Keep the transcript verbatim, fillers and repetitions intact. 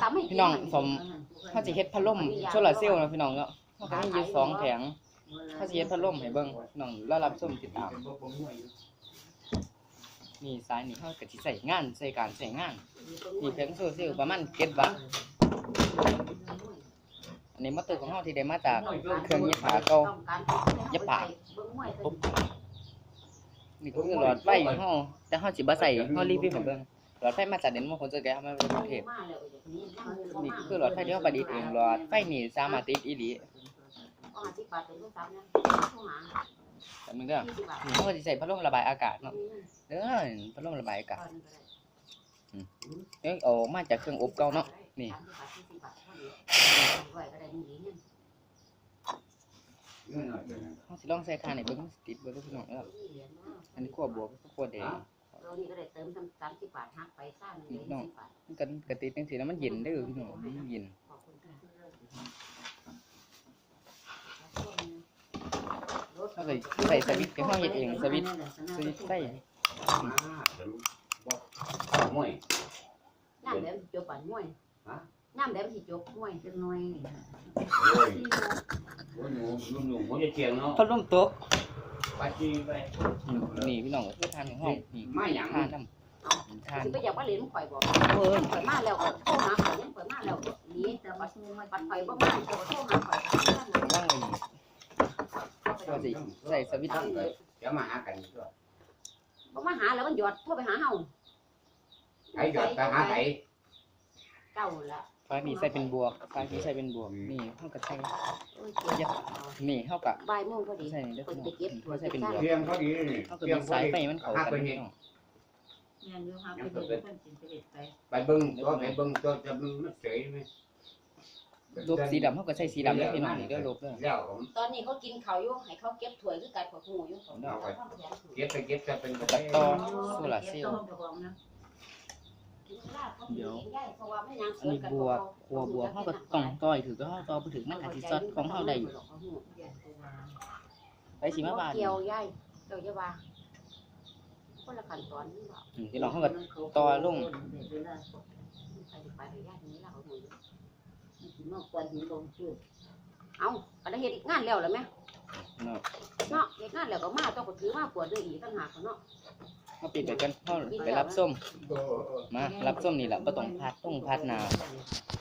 พี่น้องสมเขาจะเฮ็ดพัดลมโซลาร์เซลล์นะพี่น้องเนาะเขาก็มีอยู่สองแผงเขาจะเฮ็ดพัดลมให้เบิ่งพี่น้องแล้วรับชมติดตามนี่สายนี่เขาก็สิใส่งานใส่การใส่งานนี่แผงโซลาร์เซลล์ประมาณเจ็ดวัตต์อันนี้มอเตอร์ของเขาที่ได้มาจากเครื่องเย็บผ้าเก่าเย็บผ้าปุ๊บนี่ก็คือหลอดไฟของเขาแต่เขาสิบ่ใส่เขารีวิวให้เบิ่งหลอดไฟมาจากเดนมาร์กคนจะแกะมาจากกรุงเทพนี่คือหลอดไฟที่เขาประดิษฐ์เองหลอดไฟนี่สามารถติดอีหลีแต่มันก็นี่เขาก็จะใส่พัดลมระบายอากาศเนาะเด้อพัดลมระบายอากาศเอ้ยออกมาจากเครื่องอบเก่าเนาะนี่เขาสิลองใส่คานให้เบิ่งติดเบิ่งพี่น้องเด้ออันนี้ขั้วบวกขั้วแดงตัวนี้ก็ได้เติมสามสิบบาทหักไปซ่าหนึ่งเลยยี่สิบบาทมันกันกระติดจังซี่แล้วมันเย็นเด้อพี่น้องมันเย็นเขาเลยใส่สวิตช์ที่เขาเฮ็ดเองสวิตช์สวิตช์ไฟมวยน้ำแดงจบปั่นมวยน้ำแดงสิจบมวยจังหน่อยโอ้ยหนูหนูหนูผมจะเจียงเนาะพัดลมตกไปจีไปนี่พี่น้องก็คือทานของห้องนี่ไม่หยังทานน้ำทานไปอยากว่าเหรียญข่อยบอกเออข่อยมาแล้วก็โทรหาข่อยยังข่อยมาแล้วนี่แต่ปัดปัดข่อยบ่มาก็โทรหาข่อยว่างเลยก็สิใส่สวิตช์เดี๋ยวมาหากันด้วยบ่มาหาแล้วมันหยอดโทรไปหาเฮาไอ้หยอดไปหาไอ้เก่าละฟ้านี่ใส่เป็นบวกฟ้านี่ใส่เป็นบวกนี่เฮาก็ใส่นี่เฮาก็บ่ายโมงพอดีใส่เด้อพี่น้องเฮาใส่เป็นบวกเพียงพอดีนี่เฮาก็มีสายไฟมันเข้ากันพี่น้องไปเบิ่งตัวไปเบิ่งตัวจะมันเฉยมั้ยลบสีดำเฮาก็ใส่สีดำเด้อพี่น้องนี่เด้อลบเด้อแล้วตอนนี้เขากินข้าวอยู่ให้เขาเก็บถ้วยคือกันขอหูอยู่เก็บไปเก็บจะเป็นตัดต่อโซลาร์เซลล์เดี๋ยวอันนี้บวกครัวบวกเฮาก็ต้องต่อยถือก็เฮาต่อบ่ถึงมันอาจสิซัดของเฮาได้อยู่ไปสิมาบาดเกี่ยวใหญ่เกี่ยวจะว่าคนละขั้นตอนนี่บ่อืมพี่น้องเฮาก็ต่อลงเอาก็ได้เฮ็ดงานแล้วล่ะแม่เนาะเนาะเฮ็ดงานแล้วก็มาต้องก็ถือมาปวดด้วยอีกต่างหากเนาะเฮาปิดไปกันเฮาไปรับส้มมารับส้มนี่ล่ะบ่ต้องพัดต้องพัดหน้า